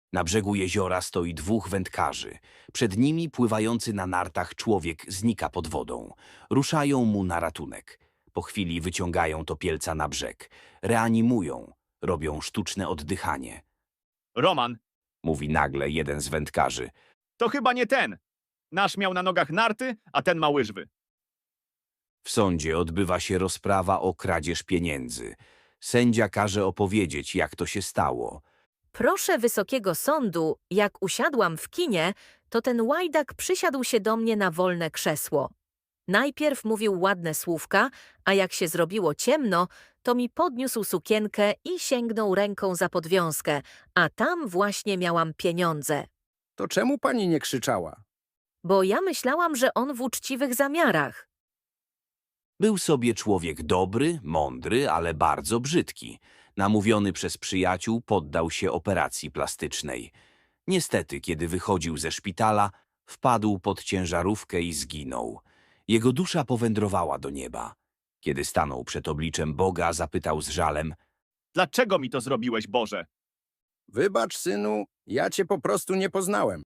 Na brzegu jeziora stoi dwóch wędkarzy. Przed nimi pływający na nartach człowiek znika pod wodą. Ruszają mu na ratunek. Po chwili wyciągają topielca na brzeg. Reanimują. Robią sztuczne oddychanie. Roman, Mówi nagle jeden z wędkarzy. to chyba nie ten. Nasz miał na nogach narty, a ten ma łyżwy. W sądzie odbywa się rozprawa o kradzież pieniędzy. Sędzia każe opowiedzieć, jak to się stało. Proszę Wysokiego Sądu, jak usiadłam w kinie, to ten łajdak przysiadł się do mnie na wolne krzesło. Najpierw mówił ładne słówka, a jak się zrobiło ciemno, to mi podniósł sukienkę i sięgnął ręką za podwiązkę, a tam właśnie miałam pieniądze. To czemu pani nie krzyczała? Bo ja myślałam, że on w uczciwych zamiarach. Był sobie człowiek dobry, mądry, ale bardzo brzydki. Namówiony przez przyjaciół, poddał się operacji plastycznej. Niestety, kiedy wychodził ze szpitala, wpadł pod ciężarówkę i zginął. Jego dusza powędrowała do nieba. Kiedy stanął przed obliczem Boga, zapytał z żalem: Dlaczego mi to zrobiłeś, Boże? Wybacz, synu, ja cię po prostu nie poznałem.